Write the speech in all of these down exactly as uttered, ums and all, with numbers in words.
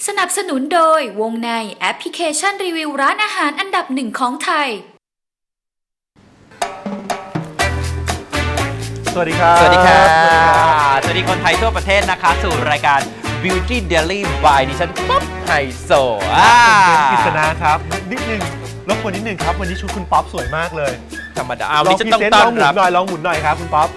สนับสนุนโดยวงในแอปพลิเคชันรีวิวร้านอาหารอันดับหนึ่งของไทยสวัสดีครับสวัสดีครับสวัสดีคนไทยทั่วประเทศนะคะสู่รายการ Beauty Daily by ดิฉันป๊อปไฮโซอ่ากิษณาครับนิดนึงรบกวนนิดนึงครับวันนี้ชุดคุณป๊อปสวยมากเลยธรรมดาวันนี้จะต้องต้อนรับลองหมุนหน่อยลองหมุนหน่อยครับคุณป๊อป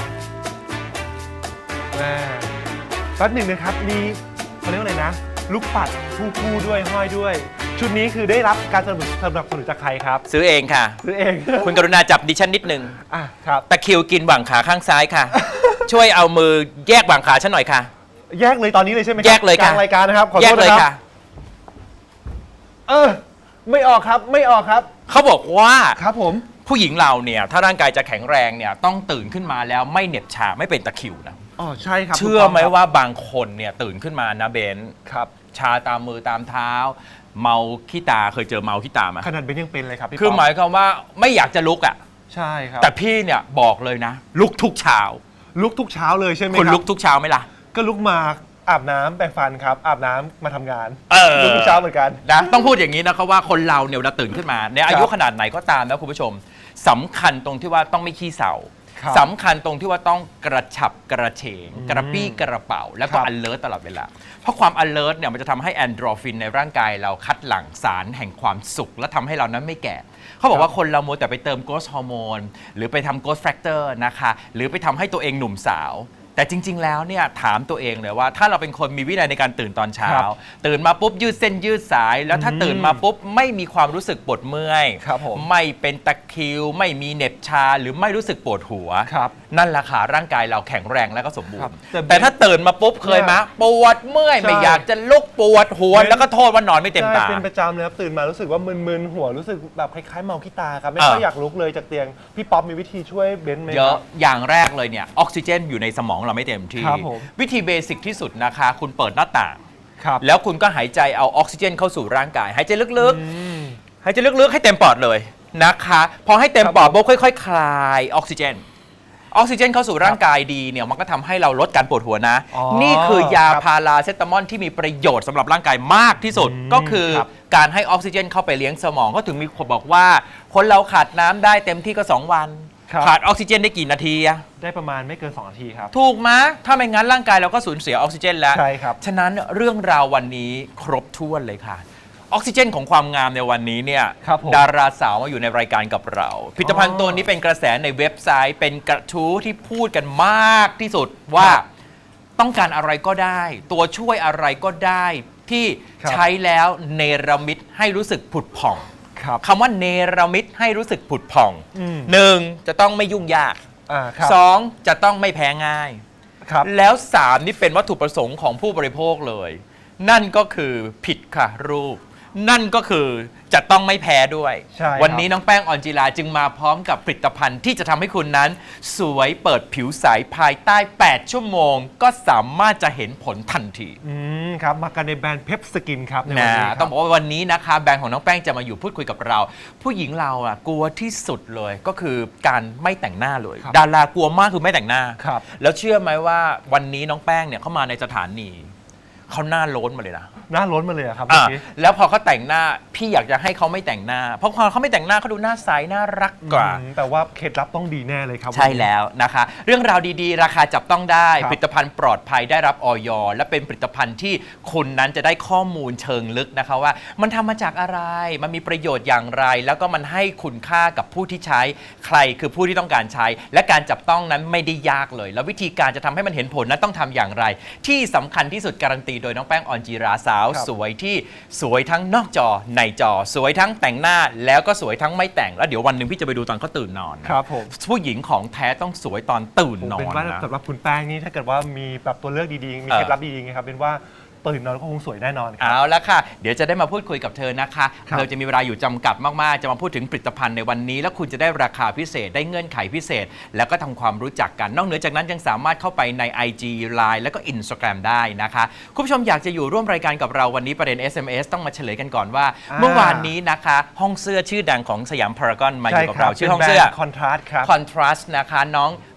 แป๊บหนึ่งนะครับมีเขาเรียกว่าอะไรนะลูกปัดคู่คู่ด้วยห้อยด้วยชุดนี้คือได้รับการสนับสนุนจากใครครับซื้อเองค่ะซื้อเองคุณกรุณาจับดิฉันนิดนึงอ่ะครับตะคริวกินหว่างขาข้างซ้ายค่ะ ช่วยเอามือแยกหว่างขาฉันหน่อยค่ะแยกเลยตอนนี้เลยใช่ไหมครับแยกเลยค่ะกลางรายการนะครับขอโทษนะครับเออไม่ออกครับไม่ออกครับเขาบอกว่าครับผมผู้หญิงเราเนี่ยถ้าร่างกายจะแข็งแรงเนี่ยต้องตื่นขึ้นมาแล้วไม่เหน็บชาไม่เป็นตะคริวนะอ๋อใช่ครับเชื่อไหมว่าบางคนเนี่ยตื่นขึ้นมานะเบนครับชาตามมือตามเท้าเมาขี้ตาเคยเจอเมาขี้ตาไหมขนาดเบนยังเป็นเลยครับพี่คือหมายความว่าไม่อยากจะลุกอ่ะใช่ครับแต่พี่เนี่ยบอกเลยนะลุกทุกเช้าลุกทุกเช้าเลยใช่ไหมครับคุณลุกทุกเช้าไหมล่ะก็ลุกมาอาบน้ำแปรงฟันครับอาบน้ำมาทำงานเออลุกทุกเช้าเหมือนกันนะต้องพูดอย่างนี้นะครับว่าคนเราเนี่ยเวลาตื่นขึ้นมาในอายุขนาดไหนก็ตามนะคุณผู้ชมสำคัญตรงที่ว่าต้องไม่ขี้เศร้าสำคัญตรงที่ว่าต้องกระฉับกระเฉงกระปี้กระเป๋าแล้วก็ alert ตลอดเวลาเพราะความ alert เนี่ยมันจะทำให้แอนโดรฟินในร่างกายเราคัดหลั่งสารแห่งความสุขและทำให้เรานั้นไม่แก่เขาบอกว่าคนเราโมแต่ไปเติมโกรทฮอร์โมนหรือไปทำโกรทแฟกเตอร์นะคะหรือไปทำให้ตัวเองหนุ่มสาวแต่จริงๆแล้วเนี่ยถามตัวเองเลยว่าถ้าเราเป็นคนมีวินัยในการตื่นตอนเช้าตื่นมาปุ๊บยืดเส้นยืดสายแล้วถ้าตื่นมาปุ๊บไม่มีความรู้สึกปวดเมื่อยไม่เป็นตะคริวไม่มีเหน็บชาหรือไม่รู้สึกปวดหัวนั่นแหละค่ะร่างกายเราแข็งแรงและก็สมบูรณ์แต่ถ้าตื่นมาปุ๊บเคยมะปวดเมื่อยไม่อยากจะลุกปวดหัวแล้วก็โทษว่านอนไม่เต็มตาเป็นประจำเลยครับตื่นมารู้สึกว่ามึนๆหัวรู้สึกแบบคล้ายๆเมาขี้ตาครับไม่ค่อยอยากลุกเลยจากเตียงพี่ป๊อปมีวิธีช่วยเบนไหมเยอะอย่างแรกเลยเนี่ยออกซิเจนอยู่ในสมองเราไม่เต็มที่วิธีเบสิกที่สุดนะคะคุณเปิดหน้าต่างแล้วคุณก็หายใจเอาออกซิเจนเข้าสู่ร่างกายหายใจลึกๆหายใจลึกๆให้เต็มปอดเลยนะคะพอให้เต็มปอดปุ๊บค่อยๆคลายออกซิเจนออกซิเจนเข้าสู่ร่างกายดีเนี่ยมันก็ทำให้เราลดการปวดหัวนะนี่คือยาพาราเซตามอลที่มีประโยชน์สำหรับร่างกายมากที่สุดก็คือการให้ออกซิเจนเข้าไปเลี้ยงสมองก็ถึงมีคนบอกว่าคนเราขาดน้ำได้เต็มที่ก็สองวันขาดออกซิเจนได้กี่นาทีอะได้ประมาณไม่เกินสองนาทีครับถูกไหมถ้าไม่งั้นร่างกายเราก็สูญเสียออกซิเจนแล้วใช่ครับฉะนั้นเรื่องราววันนี้ครบถ้วนเลยค่ะออกซิเจนของความงามในวันนี้เนี่ยดาราสาวมาอยู่ในรายการกับเราผลิตภัณฑ์ตัวนี้เป็นกระแสในเว็บไซต์เป็นกระทู้ที่พูดกันมากที่สุดว่าต้องการอะไรก็ได้ตัวช่วยอะไรก็ได้ที่ใช้แล้วเนรมิตให้รู้สึกผุดผ่องคำว่าเนรมิตให้รู้สึกผุดผ่องหนึ่งจะต้องไม่ยุ่งยากสองจะต้องไม่แพ้ง่ายแล้วสามนี่เป็นวัตถุประสงค์ของผู้บริโภคเลยนั่นก็คือผิดค่ะรูปนั่นก็คือจะต้องไม่แพ้ด้วยวันนี้น้องแป้งออนจิราจึงมาพร้อมกับผลิตภัณฑ์ที่จะทำให้คุณนั้นสวยเปิดผิวใสภายใต้แปดชั่วโมงก็สามารถจะเห็นผลทันทีอืมครับมากันในแบรนด์เพปสกินครับในวันนี้ต้องบอกว่าวันนี้นะคะแบรนด์ของน้องแป้งจะมาอยู่พูดคุยกับเราผู้หญิงเราอ่ะกลัวที่สุดเลยก็คือการไม่แต่งหน้าเลยดารากลัวมากคือไม่แต่งหน้าแล้วเชื่อไหมว่าวันนี้น้องแป้งเนี่ยเข้ามาในสถานีเขาหน้าโล้นมาเลยนะหน้าล้นมาเลยครับแล้วพอเขาแต่งหน้าพี่อยากจะให้เขาไม่แต่งหน้าเพราะพอเขาไม่แต่งหน้าเขาดูหน้าใสน่ารักกว่าแต่ว่าเคล็ดลับต้องดีแน่เลยครับใช่แล้วนะคะเรื่องราวดีๆราคาจับต้องได้ผลิตภัณฑ์ปลอดภัยได้รับอย.และเป็นผลิตภัณฑ์ที่คุณนั้นจะได้ข้อมูลเชิงลึกนะคะว่ามันทำมาจากอะไรมันมีประโยชน์อย่างไรแล้วก็มันให้คุณค่ากับผู้ที่ใช้ใครคือผู้ที่ต้องการใช้และการจับต้องนั้นไม่ได้ยากเลยแล้ววิธีการจะทำให้มันเห็นผลนั้นต้องทำอย่างไรที่สำคัญที่สุดการันตีโดยน้องแป้งออนจีราสาวสวยที่สวยทั้งนอกจอในจอสวยทั้งแต่งหน้าแล้วก็สวยทั้งไม่แต่งแล้วเดี๋ยววันหนึ่งพี่จะไปดูตอนเขาตื่นนอนครับผมผู้หญิงของแท้ต้องสวยตอนตื่นนอนเป็นว่าสำหรับคุณแป้งนี่ถ้าเกิดว่ามีแบบตัวเลือกดีๆมีเคล็ดลับดีๆไงครับเป็นว่าตื่นนอนก็คงสวยแน่นอนเอาละค่ะเดี๋ยวจะได้มาพูดคุยกับเธอนะคะเธอจะมีเวลาอยู่จำกัดมากๆจะมาพูดถึงผลิตภัณฑ์ในวันนี้แล้วคุณจะได้ราคาพิเศษได้เงื่อนไขพิเศษแล้วก็ทำความรู้จักกันนอกเหนือจากนั้นยังสามารถเข้าไปใน ไอ จี ไลน์ แล้วก็ Instagram ได้นะคะคุณผู้ชมอยากจะอยู่ร่วมรายการกับเราวันนี้ประเด็น เอส เอ็ม เอส ต้องมาเฉลยกันก่อนว่าเมื่อวานนี้นะคะห้องเสื้อชื่อดังของสยามพารากอนมาอยู่กับเราชื่อห้องเสื้อ Contrast ครับ Contrast นะคะน้อง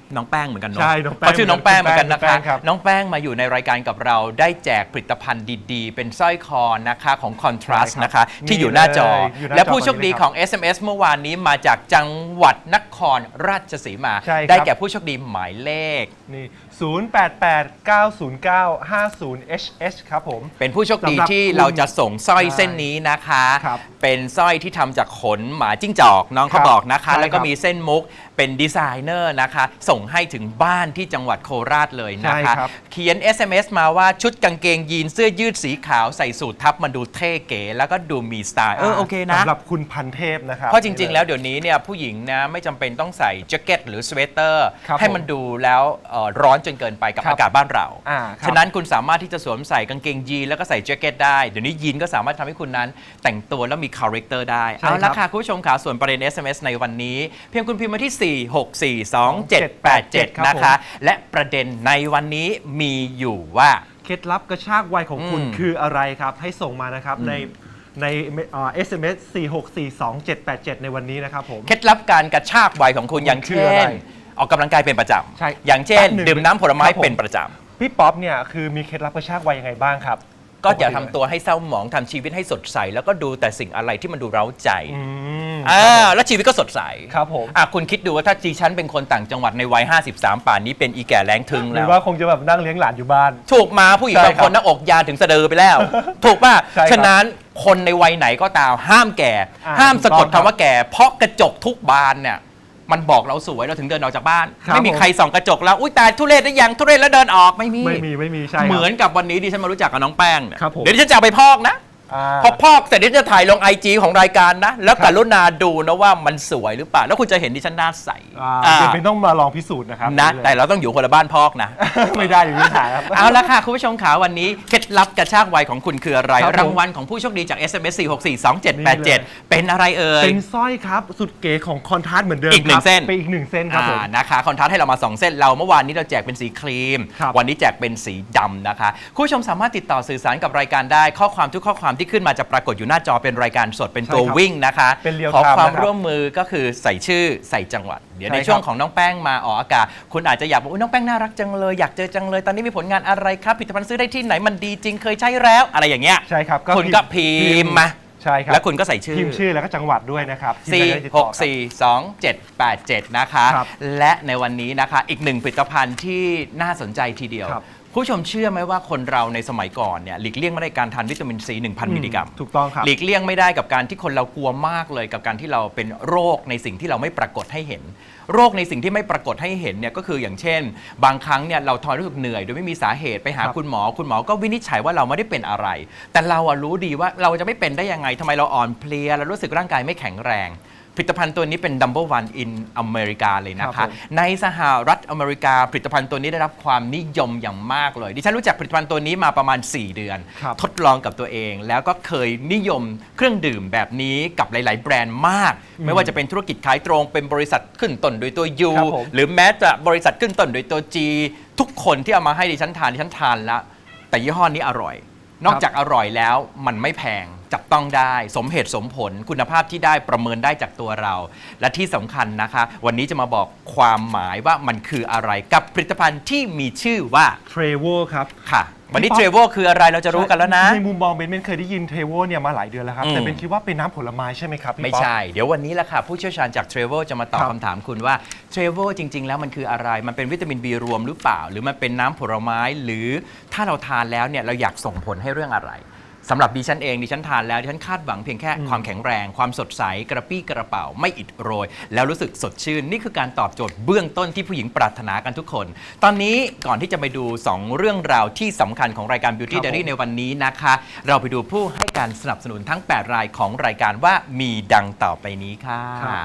น้องแป้งเหมือนกันเนาะใช่น้องแป้งเขาชื่อน้องแป้งเหมือนกันนะแป้คะงครับน้องแป้งมาอยู่ในรายการกับเราได้แจกผลิตภัณฑ์ดีๆ เป็นสร้อยคอนะคะของ Contrast ใช่ครับนะคะที่อยู่หน้าจอนี่เลยอยู่หน้าจอและผู้โชคดีตอนนี้ของ เอส เอ็ม เอส เมื่อวานนี้มาจากจังหวัดนครราชสีมาใช่ครับได้แก่ผู้โชคดีหมายเลขนี่ ศูนย์ แปด แปด เก้า ศูนย์ เก้า ห้า ศูนย์ เอช เอช ครับผมเป็นผู้โชคดีสำหรับที่คุณเราจะส่งสร้อยใช่เส้นนี้นะคะครับเป็นสร้อยที่ทำจากขนหมาจิ้งจอกน้องเขาครับบอกนะคะใช่แล้วก็ครับมีเส้นมุกเป็นดีไซเนอร์นะคะ ส่งให้ถึงบ้านที่จังหวัดโคราชเลยนะคะใช่ครับเขียน เอส เอ็ม เอส มาว่าชุดกางเกงยีนเสื้อยืดสีขาวใส่สูททับมันดูเท่เก๋แล้วก็ดูมีสไตล์เออโอเคนะสำหรับคุณพันเทพนะครับเพราะจริง ๆ แล้วเดี๋ยวนี้เนี่ยผู้หญิงนะไม่จำเป็นต้องใส่แจ็คเก็ตหรือสเวตเตอร์ครับให้มันดูแล้วเอ่อร้อนจนเกินไปกับครับอากาศบ้านเราอ่าครับฉะนั้นคุณสามารถที่จะสวมใส่กางเกงยีนแล้วก็ใส่แจ็คเก็ตได้ เดี๋ยวนี้ยีนก็สามารถทำให้คุณนั้นแต่งตัวแล้วมีคาแรคเตอร์ได้ใช่เอาละครับค่ะคุณผู้ชมค่ะส่วนประเด็น เอส เอ็ม เอส ในวันนี้ เพียงคุณพิมพ์มาที่ สี่ หก สี่ สอง เจ็ด แปด เจ็ดครับนะคะ และประเด็นในวันนี้มีอยู่ว่าเคล็ดลับกระชากวัยของคุณอืมคืออะไรครับ ให้ส่งมานะครับในในเอ่อ เอส เอ็ม เอส สี่ หก สี่ สอง เจ็ด แปด เจ็ด ในวันนี้นะครับผมเคล็ดลับการกระชากวัยของคุณอย่างคือเช่อะไรนออกกำลังกายเป็นประจใช่ำอย่างเช่นแป๊บหนึ่งดื่มน้ำผลไม้ครับผมเป็นประจำพี่ป๊อปเนี่ยคือมีเคล็ดลับกระชากวัยยังไงบ้างครับก็อย่าทำตัวให้เศร้าหมองทำชีวิตให้สดใส แล้วก็ดูแต่สิ่งอะไรที่มันดูเร้าใจอืมอ่าแล้วชีวิตก็สดใสครับผมอ่ะคุณคิดดูว่าถ้าดิฉันเป็นคนต่างจังหวัดในวัย ห้าสิบสาม ป่านนี้เป็นอีแก่แรงทึงหรืแล้อวว่าคงจะแบบนั่งเลี้ยงหลานอยู่บ้านถูกมาผู้หญิงใช่บางครัคบนหน้าอกยานถึงสะดือไปแล้ว ถูกป่ะใช่ครับฉะนั้นคนในวัยไหนก็ตามห้ามแก่อ่าห้ามสะกดถูกต้องครับคำว่าแก่ เพราะกระจกทุกบานเนี่ยมันบอกเราสวยเราถึงเดินออกจากบ้านครับไม่มีผมใครส่องกระจกแล้วอุ้ยตายทุเรศได้ยังทุเรศแล้วเดินออกไม่มีไม่มีไม่มีใช่ครับเหมือนกับวันนี้ดิฉันมารู้จักกับน้องแป้งเนี่ยครับผมเดี๋ยวดิฉันจะเอาไปพอกนะอ่าพอพอกเสร็จดิฉันจะถ่ายลงไอจีของรายการนะ แล้วครับกรุณาดูนะว่ามันสวยหรือเปล่า แล้วคุณจะเห็นดิฉันหน้าใสอ่าอ่าเดี๋ยวเป็นต้องมาลองพิสูจน์นะครับนะเลยแต่เราต้องอยู่คนละบ้านพอกนะไม่ได้อย่างนี้ถ่ายครับเอาละค่ะ คุณผู้ชมขาวันนี้เคล็ดลับกระชากวัยของคุณคืออะไรครับผมรางวัลของผู้โชคดีจาก เอส เอ็ม เอส สี่ หก สี่ สอง เจ็ด แปด เจ็ด เป็นอะไรเอ่ยเป็นสร้อยครับสุดเก๋ของคอนทราสต์เหมือนเดิมอีกหนึ่งครับเส้นเป็นอีกหนึ่งเส้นครับผมอ่านะคะคอนทราสต์ให้เรามาสองเส้นเราเมื่อวานนี้เราแจกเป็นสีครีมครับวันนี้แจกเป็นสีดำนะคะคุณผู้ชมสามารถติดต่อสื่อสารกับรายการได้ข้อความทุกข้อความที่ขึ้นมาจะปรากฏอยู่หน้าจอเป็นรายการสดเป็นตัวใช่ครับวิ่งนะคะเป็น real ขอ time ความนะครับร่วมมือก็คือใส่ชื่อใส่จังหวัด เดี๋ยวใช่ในครับช่วงของน้องแป้งมาออกอากาศคุณอาจจะอยากบอกว่าน้องแป้งน่ารักจังเลยอยากเจอจังเลยตอนนี้มีผลงานอะไรครับผลิตภัณฑ์ซื้อได้ที่ไหนมันดีจริงเคยใช้แล้วอะไรอย่างเงี้ยใช่ครับคุณก็พิมพ์มาใช่ครับแล้วคุณก็ใส่ชื่อพิมพ์ชื่อแล้วก็จังหวัดด้วยนะครับที่สี่จะได้ติดหต่อก ครับสี่สองเจ็ดแปดเจ็ดนะคะครับและในวันนี้นะคะอีกหนึ่งผลิตภัณฑ์ที่น่าสนใจทีเดียวครับผู้ชมเชื่อไหมว่าคนเราในสมัยก่อนเนี่ยหลีกเลี่ยงไม่ได้การทานวิตามินซี หนึ่งพัน มิลลิกรัมถูกต้องครับหลีกเลี่ยงไม่ได้กับการที่คนเรากลัวมากเลยกับการที่เราเป็นโรคในสิ่งที่เราไม่ปรากฏให้เห็น โรคในสิ่งที่ไม่ปรากฏให้เห็นเนี่ยก็คืออย่างเช่น บางครั้งเนี่ยเราทอนรู้สึกเหนื่อยโดยไม่มีสาเหตุไปหาครับคุณหมอ คุณหมอก็วินิจฉัยว่าเราไม่ได้เป็นอะไร แต่เราอะรู้ดีว่าเราจะไม่เป็นได้ยังไงทำไมเราอ่อนเพลียเรารู้สึกร่างกายไม่แข็งแรงผลิตภัณฑ์ตัวนี้เป็น number one in อเมริกาเลยนะครัคะบผมในสหรัฐอเมริกาผลิตภัณฑ์ตัวนี้ได้รับความนิยมอย่างมากเลยดิฉันรู้จักผลิตภัณฑ์ตัวนี้มาประมาณ สี่ เดือนครับทดลองกับตัวเอง แล้วก็เคยนิยมเครื่องดื่มแบบนี้กับหลาย ๆ แบรนด์มาก ไม่ว่าจะเป็นธุรกิจขายตรงเป็นบริษัทขึ้นต้นโดยตัว U ครับผมหรือแม้แต่บริษัทขึ้นต้นโดยตัว G ทุกคนที่เอามาให้ดิฉันทานดิฉันทานแล้วแต่ยี่ห้อนี้อร่อย นอกจากอร่อยแล้วมันไม่แพงจับต้องได้สมเหตุสมผลคุณภาพที่ได้ประเมินได้จากตัวเรา และที่สำคัญนะคะ วันนี้จะมาบอกความหมายว่ามันคืออะไรกับผลิตภัณฑ์ที่มีชื่อว่าเทรโวครับค่ะ วันนี้พี่เทป๊อปรเวลคืออะไรเราจะรู้กันแล้วนะในมุมมองเบนเบนเคยได้ยินเทรโวเนี่ยมาหลายเดือนแล้วครับอืมแต่เบนคิดว่าเป็นน้ำผลไม้ใช่ไหมครับพี่ไม่ป๊อปใช่ เดี๋ยววันนี้แหละค่ะ ผู้เชี่ยวชาญจากเทรเวลจะมาตอบครับคำถามคุณว่าเทรเวลจริง ๆ แล้วมันคืออะไร มันเป็นวิตามิน B รวมหรือเปล่า หรือมันเป็นน้ำผลไม้ หรือถ้าเราทานแล้วเนี่ยเราอยากส่งผลให้เรื่องอะไรสำหรับดิฉันเองดิฉันทานแล้วดิฉันคาดหวังเพียงแค่ความแข็งแรง ความสดใสกระปี้กระเป๋าไม่อิดโรย แล้วรู้สึกสดชื่น นี่คือการตอบโจทย์เบื้องต้นที่ผู้หญิงปรารถนากันทุกคน ตอนนี้ก่อนที่จะไปดู สอง เรื่องราวที่สำคัญของรายการ Beauty ครับผม Diary ในวันนี้นะคะ เราไปดูผู้ให้การสนับสนุนทั้ง แปด รายของรายการว่ามีดังต่อไปนี้ค่ะครับ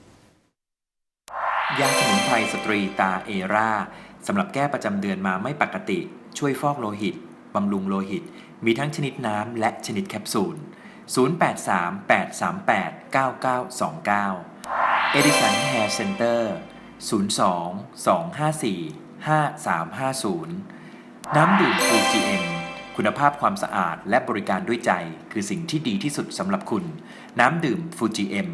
ยาสมุนไพรสตรีตาเอราสำหรับแก้ประจำเดือนมาไม่ปกติ ช่วยฟอกโลหิต บำรุงโลหิต มีทั้งชนิดน้ำและชนิดแคปซูล ศูนย์ แปด สาม แปด สาม แปด เก้า เก้า สอง เก้า Edison Hair Center ศูนย์ สอง สอง ห้า สี่ ห้า สาม ห้า ศูนย์ น้ำดื่ม ฟูจิ เอ็ม คุณภาพความสะอาดและบริการด้วยใจคือสิ่งที่ดีที่สุดสำหรับคุณ น้ำดื่ม ฟูจิ เอ็ม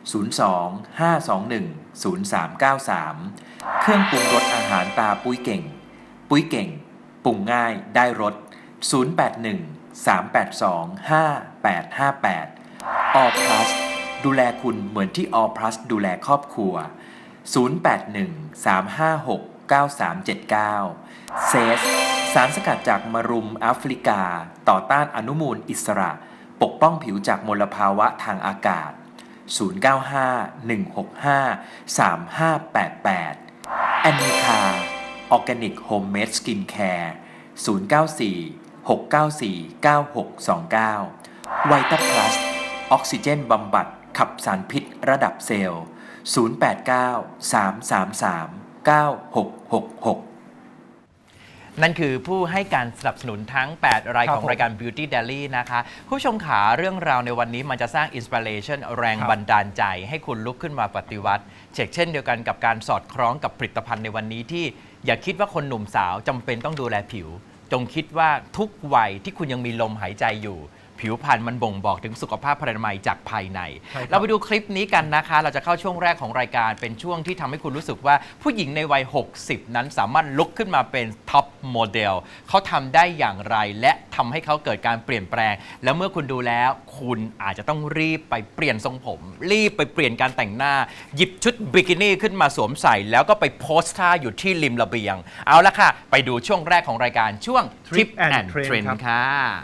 ศูนย์ สอง ห้า สอง หนึ่ง ศูนย์ สาม เก้า สาม เครื่องปรุงรสอาหารตาปุ้ยเก่ง ปุ้ยเก่งปรุงง่ายได้รส ศูนย์ แปด หนึ่ง สาม แปด สอง ห้า แปด ห้า แปด All Plus ดูแลคุณเหมือนที่ All Plus ดูแลครอบครัว ศูนย์ แปด หนึ่ง สาม ห้า หก เก้า สาม เจ็ด เก้า เซสสารสกัดจากมะรุมแอฟริกาต่อต้านอนุมูลอิสระปกป้องผิวจากมลภาวะทางอากาศ ศูนย์ เก้า ห้า หนึ่ง หก ห้า สาม ห้า แปด แปด แอนนิคาออร์แกนิกโฮมเมดสกินแคร์ ศูนย์ เก้า สี่ หก เก้า สี่ เก้า หก สอง เก้า ไวต้าพลัสออกซิเจนบำบัดขับสารพิษระดับเซลล์ ศูนย์ แปด เก้า สาม สาม สาม เก้า หก หก หกนั่นคือผู้ให้การสนับสนุนทั้ง แปด รายครับของรายการ Beauty Daily นะคะ ผู้ชมขาเรื่องราวในวันนี้มันจะสร้างอินสปิเรชันแรงบันดาลใจให้คุณลุกขึ้นมาปฏิวัติเช่นเช่นเดียวกันกับการสอดคล้องกับผลิตภัณฑ์ในวันนี้ที่อย่าคิดว่าคนหนุ่มสาวจำเป็นต้องดูแลผิว จงคิดว่าทุกวัยที่คุณยังมีลมหายใจอยู่ผิวพรรณมันบ่งบอกถึงสุขภาพพรรณนามัยจากภายในเราไปดูคลิปนี้กันนะคะเราจะเข้าช่วงแรกของรายการเป็นช่วงที่ทำให้คุณรู้สึกว่าผู้หญิงในวัยหกสิบนั้นสามารถลุกขึ้นมาเป็นท็อปโมเดลเขาทำได้อย่างไรและทำให้เขาเกิดการเปลี่ยนแปลงแล้วเมื่อคุณดูแล้วคุณอาจจะต้องรีบไปเปลี่ยนทรงผมรีบไปเปลี่ยนการแต่งหน้าหยิบชุดบิกินี่ขึ้นมาสวมใส่แล้วก็ไปโพสท่าอยู่ที่ริมระเบียงเอาละค่ะไปดูช่วงแรกของรายการช่วง Tip and Trend ค่ะ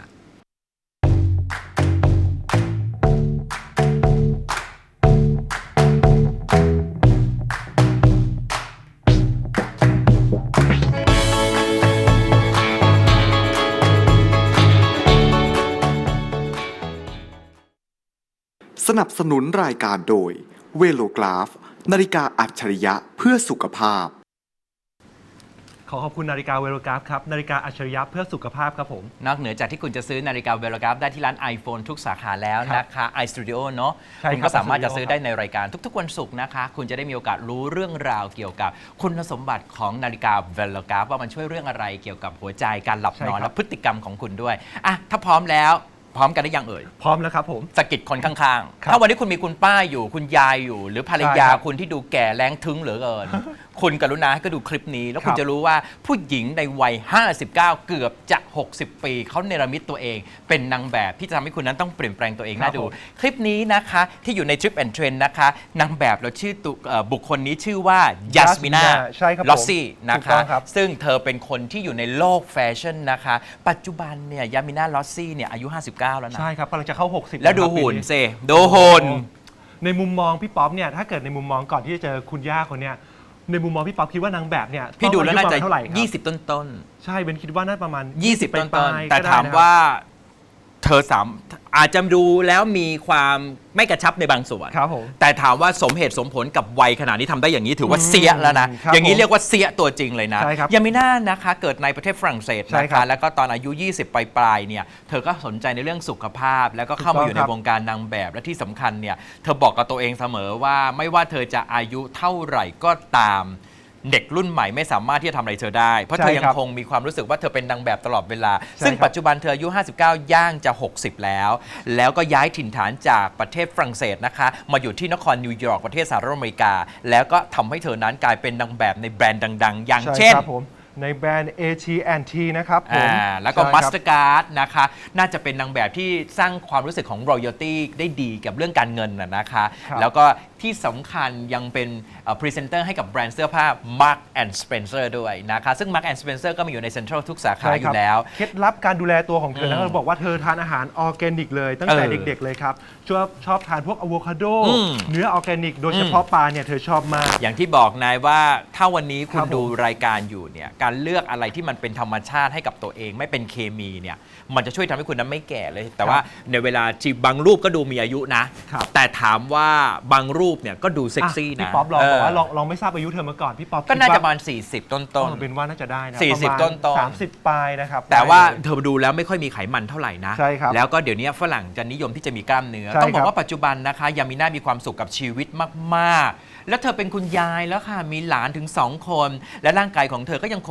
สนับสนุนรายการโดยเวโลกราฟนาฬิกาอัจฉริยะเพื่อสุขภาพขอขอบคุณนาฬิกาเวโรกราฟครับนาฬิกาอัจฉริยะเพื่อสุขภาพครับผมนอกเหนือจากที่คุณจะซื้อนาฬิกาเวโลกราฟได้ที่ร้าน iPhone ทุกสาขาแล้วนะคะ iStudio เนาะคุณก็สามารถจะซื้อได้ในรายการทุกๆวันศุกร์นะคะคุณจะได้มีโอกาสรู้เรื่องราวเกี่ยวกับคุณสมบัติของนาฬิกาเวโลกราฟว่ามันช่วยเรื่องอะไรเกี่ยวกับหัวใจการหลับนอนและพฤติกรรมของคุณด้วยอ่ะถ้าพร้อมแล้วพร้อมกันได้ยังเอ่ยพร้อมแล้วครับผมสะกิดคนข้างๆถ้าวันนี้คุณมีคุณป้าอยู่คุณยายอยู่หรือภรรยาคุณที่ดูแก่แรงทึ้งเหลือเกินคุณกรุณาให้ก็ดูคลิปนี้แล้วคุณจะรู้ว่าผู้หญิงในวัยห้าสิบเก้าเกือบจะหกสิบปีเขาเนรมิตตัวเองเป็นนางแบบที่จะทำให้คุณนั้นต้องเปลี่ยนแปลงตัวเองน่าดูคลิปนี้นะคะที่อยู่ใน Trip and Trend นะคะนางแบบเราชื่อบุคคลนี้ชื่อว่ายัสมินาลอสซี่นะคะซึ่งเธอเป็นคนที่อยู่ในโลกแฟชั่นนะคะปัจจุบันเนี่ยยามินาลอสซี่เนี่ยอายุห้าสิบเก้าแล้วนะใช่ครับกำลังจะเข้าหกสิบแล้วดูหุ่นสิดูหุ่นในมุมมองพี่ป๊อปเนี่ยถ้าเกิดในมุมมองก่อนที่จะเจอคุณย่าคนเนี้ยในมุมมองพี่ป๊อปคิดว่านางแบบเนี่ยพี่ดูแล้วน่าจะเท่าไหร่ครับยี่สิบต้นๆใช่เบนคิดว่าน่าประมาณยี่สิบต้นๆแต่ถามว่าเธอสามอาจจะดูแล้วมีความไม่กระชับในบางส่วนครับผมแต่ถามว่าสมเหตุสมผลกับวัยขนาดนี้ทำได้อย่างนี้ถือว่าเสียแล้วนะอย่างนี้เรียกว่าเสียตัวจริงเลยนะยามิน่านะคะเกิดในประเทศฝรั่งเศสนะคะแล้วก็ตอนอายุยี่สิบปลายๆเนี่ยเธอก็สนใจในเรื่องสุขภาพแล้วก็เข้ามาอยู่ในวงการนางแบบและที่สำคัญเนี่ยเธอบอกกับตัวเองเสมอว่าไม่ว่าเธอจะอายุเท่าไหร่ก็ตามเด็กรุ่นใหม่ไม่สามารถที่จะทำอะไรเธอได้เพราะเธอยังคงมีความรู้สึกว่าเธอเป็นนางแบบตลอดเวลาซึ่งปัจจุบันเธออายุห้าสิบเก้าย่างจะหกสิบแล้วแล้วก็ย้ายถิ่นฐานจากประเทศฝรั่งเศสนะคะมาอยู่ที่นครนิวยอร์กประเทศสหรัฐอเมริกาแล้วก็ทำให้เธอนั้นกลายเป็นนางแบบในแบรนด์ดังๆอย่างเช่นในแบรนด์ เอ ที แอนด์ ที นะครับผมแล้วก็ Mastercard นะคะน่าจะเป็นนางแบบที่สร้างความรู้สึกของ royalty ได้ดีกับเรื่องการเงินนะคะแล้วก็ที่สำคัญยังเป็นพรีเซนเตอร์ให้กับแบรนด์เสื้อผ้า Mark and Spencer ด้วยนะคะซึ่ง Mark and Spencer ก็มีอยู่ในเซ็นทรัลทุกสาขาอยู่แล้วเคล็ดลับการดูแลตัวของเธอนะเขาบอกว่าเธอทานอาหารออร์แกนิกเลยตั้งแต่เด็กๆเลยครับชอบชอบทานพวกอะโวคาโดเนื้อออร์แกนิกโดยเฉพาะปลาเนี่ยเธอชอบมากอย่างที่บอกนายว่าถ้าวันนี้คุณดูรายการอยู่เนี่ยการเลือกอะไรที่มันเป็นธรรมชาติให้กับตัวเองไม่เป็นเคมีเนี่ยมันจะช่วยทำให้คุณนั้นไม่แก่เลยแต่ว่าในเวลาที่บางรูปก็ดูมีอายุนะแต่ถามว่าบางรูปเนี่ยก็ดูเซ็กซี่นะพี่ป๊อปลองบอกว่าลองลองไม่ทราบอายุเธอมาก่อนพี่ป๊อปก็น่าจะประมาณสี่สิบต้นๆเป็นว่าน่าจะได้นะสี่สิบต้นๆสามสิบปลายนะครับแต่ว่าเธอดูแล้วไม่ค่อยมีไขมันเท่าไหร่นะใช่ครับแล้วก็เดี๋ยวนี้ฝรั่งจะนิยมที่จะมีกล้ามเนื้อต้องบอกว่าปัจจุบันนะคะยามิน่ามีความสุขกับชีวิตมากๆแล้วเธอเป็นคุณยายแล้วค่ะมีหลานถึงสองคนและร่างกายของเธอก็ยังคง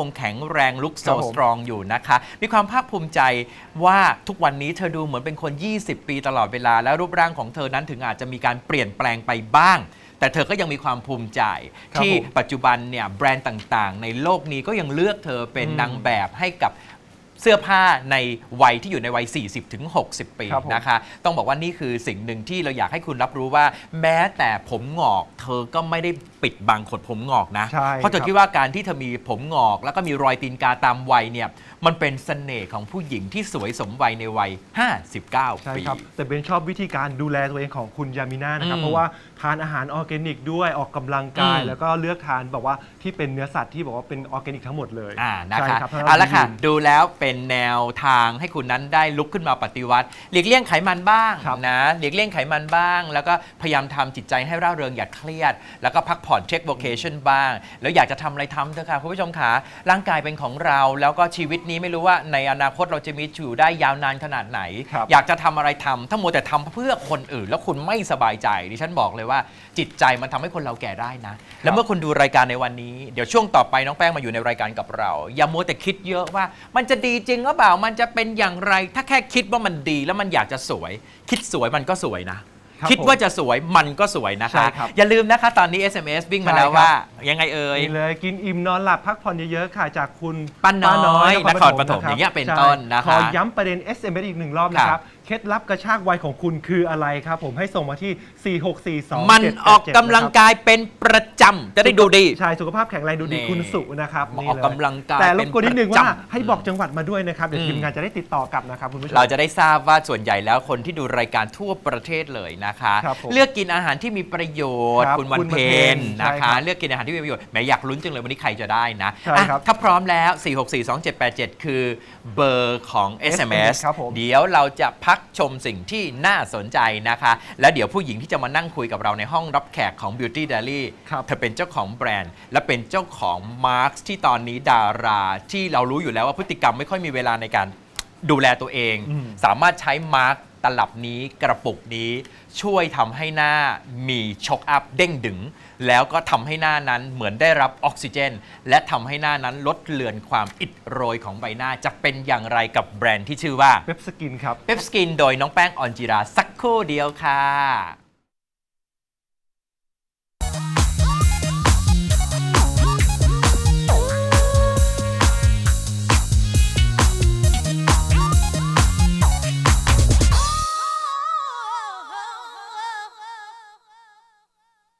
งแข็งแรงลุกโซครับผมสตรองอยู่นะคะมีความภาคภูมิใจว่าทุกวันนี้เธอดูเหมือนเป็นคน ยี่สิบ ปีตลอดเวลาแล้วรูปร่างของเธอนั้นถึงอาจจะมีการเปลี่ยนแปลงไปบ้าง แต่เธอก็ยังมีความภูมิใจครับที่ผมปัจจุบันเนี่ยแบรนด์ต่างๆ ในโลกนี้ก็ยังเลือกเธอเป็นอืมนางแบบให้กับเสื้อผ้าในวัยที่อยู่ในวัย สี่สิบถึงหกสิบ ปีครับผมนะคะ ต้องบอกว่านี่คือสิ่งหนึ่งที่เราอยากให้คุณรับรู้ว่า แม้แต่ผมงอก เธอก็ไม่ได้ปิดบังขนผมงอกนะใช่เพราะเธอครับคิดว่าการที่เธอมีผมงอก แล้วก็มีรอยตีนกาตามวัยเนี่ยมันเป็นเสน่ห์ของผู้หญิงที่สวยสมวัยในวัย ห้าสิบเก้าใช่ปีครับ แต่เบนชอบวิธีการดูแลตัวเองของคุณยามิน่านะครับอืมเพราะว่าทานอาหารออร์แกนิกด้วยออกกำลังกายอืมแล้วก็เลือกทานแบบว่าที่เป็นเนื้อสัตว์ที่บอกว่าเป็นออร์แกนิกทั้งหมดเลยอ่านะใช่คะครับเอาละค่ะยืนดูแล้วเป็นแนวทางให้คุณนั้นได้ลุกขึ้นมาปฏิวัติหลีกเลี่ยงไขมันบ้างครับนะหลีกเลี่ยงไขมันบ้าง แล้วก็พยายามทำจิตใจให้ร่าเริงอย่าเครียด แล้วก็พักผ่อนเช็คโวเคชั่นบ้าง แล้วอยากจะทำอะไรทำเถอะค่ะคุณผู้ชมขาร่างกายเป็นของเรา แล้วก็ชีวิตนี้ไม่รู้ว่าในอนาคตเราจะมีอยู่ได้ยาวนานขนาดไหนครับอยากจะทำอะไรทำถ้ามัวแต่ทำเพื่อคนอื่น แล้วคุณไม่สบายใจดิฉันบอกเลยว่าจิตใจมันทำให้คนเราแก่ได้นะ แล้วเมื่อคุณดูรายการในวันนี้เดี๋ยวช่วงต่อไปน้องแป้งมาอยู่ในรายการกับเรา อย่ามัวแต่คิดเยอะว่า มันจะดีจริงหรือเปล่ามันจะเป็นอย่างไร ถ้าแค่คิดว่ามันดีแล้วมันอยากจะสวย คิดสวยมันก็สวยนะครับคิดว่าจะสวยมันก็สวยนะใช่คะครับอย่าลืมนะคะตอนนี้ เอส เอ็ม เอส วิ่งมาแล้วใช่ครับว่ายังไงเอ่ยนี่เลยกินอิ่มนอนหลับพักผ่อนเยอะๆค่ะจากคุณป้าน้อยนครปฐมะบอย่างเงี้ยเป็นใช่ต้นนะคะขอย้ำประเด็น เอส เอ็ม เอส อีกหนึ่งรอบนะครับเคล็ดลับกระชากวัยของคุณคืออะไรครับผมให้ส่งมาที่ สี่ หก สี่ สองมันเจ็ดออกกำลังกายเป็นประจำจะได้ดูดีใช่สุขภาพแข็งแรงดูดีนี่คุณสุนะครับออกนี่เลยกำลังกายแต่รบกวนนิดนึงเป็นประว่าจำให้บอกจังหวัดมาด้วยนะครับเดี๋ยวอืมทีมงานจะได้ติดต่อกลับนะครับคุณผู้ชมเราจะได้ทราบว่าส่วนใหญ่แล้วคนที่ดูรายการทั่วประเทศเลยนะคะครับผมเลือกกินอาหารที่มีประโยชน์ครับคุณวันคุณเพวันเพ็ญญนะใช่ครัคะบเลือกกินอาหารที่มีประโยชน์แหมอยากลุ้นจังเลยวันนี้ใครจะได้นะใช่ครับอ่ะถ้าพร้อมแล้ว สี่ หก สี่ สอง เจ็ด แปด เจ็ด คือเบอร์ของ เอส เอ็ม เอสครับผมเดี๋ยวเราจะพักชมสิ่งที่น่าสนใจนะคะ แล้วเดี๋ยวผู้หญิงที่จะมานั่งคุยกับเราในห้องรับแขกของ Beauty Diary ครับเธอเป็นเจ้าของแบรนด์ และเป็นเจ้าของมาร์คที่ตอนนี้ดาราที่เรารู้อยู่แล้วว่าพฤติกรรมไม่ค่อยมีเวลาในการดูแลตัวเองอืมสามารถใช้มาร์คตลับนี้กระปุกนี้ช่วยทำให้หน้ามีช็อคอัพเด้งดึง แล้วก็ทำให้หน้านั้นเหมือนได้รับออกซิเจน และทำให้หน้านั้นลดเลือนความอิดโรยของใบหน้าจะเป็นอย่างไรกับแบรนด์ที่ชื่อว่าเว็บสกินครับเปปสกินโดยน้องแป้งออนจิราสักครู่เดียวค่ะ